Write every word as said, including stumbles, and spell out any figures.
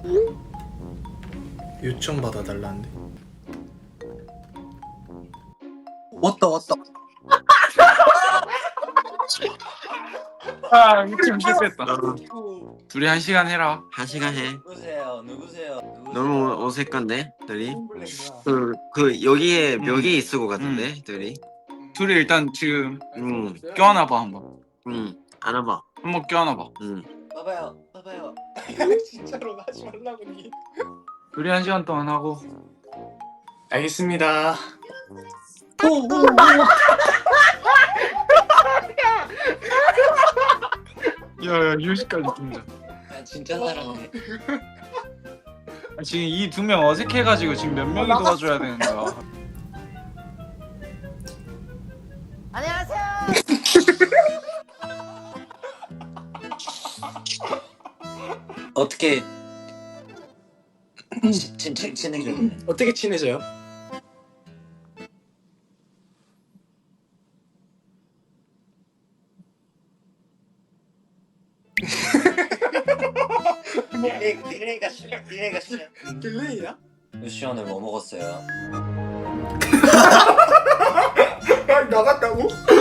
요청 받아달라는데. 왔다 왔다. 아 미친 실패했다. 둘이 한 시간 해라. 한 시간 해. 누구세요? 누구세요? 누구세요? 너무 어색한데 둘이. 홈블랙이야. 그, 그 여기에 음. 벽에 있을 것 같은데 둘이. 둘이 일단 지금 응, 껴안아봐 한번. 응. 안아봐. 한번 껴안아봐. 응. 봐봐요, 봐봐요. 진짜로 하지 말라고 니. 둘이 한 시간 동안 하고. 알겠습니다. 야야 휴식까지 줍니다. 아, 진짜 사랑해. 지금 이 두 명 어색해가지고 지금 몇 명이 도와줘야 되는 거야. 안녕하세요. 어떻게 진- 진짜 진행해? 어떻게 친해져요? 딜레이 딜레이가 싫어. 딜레이가 싫어. 딜레이야? 루시 오늘 뭐 먹었어요? 나갔다고?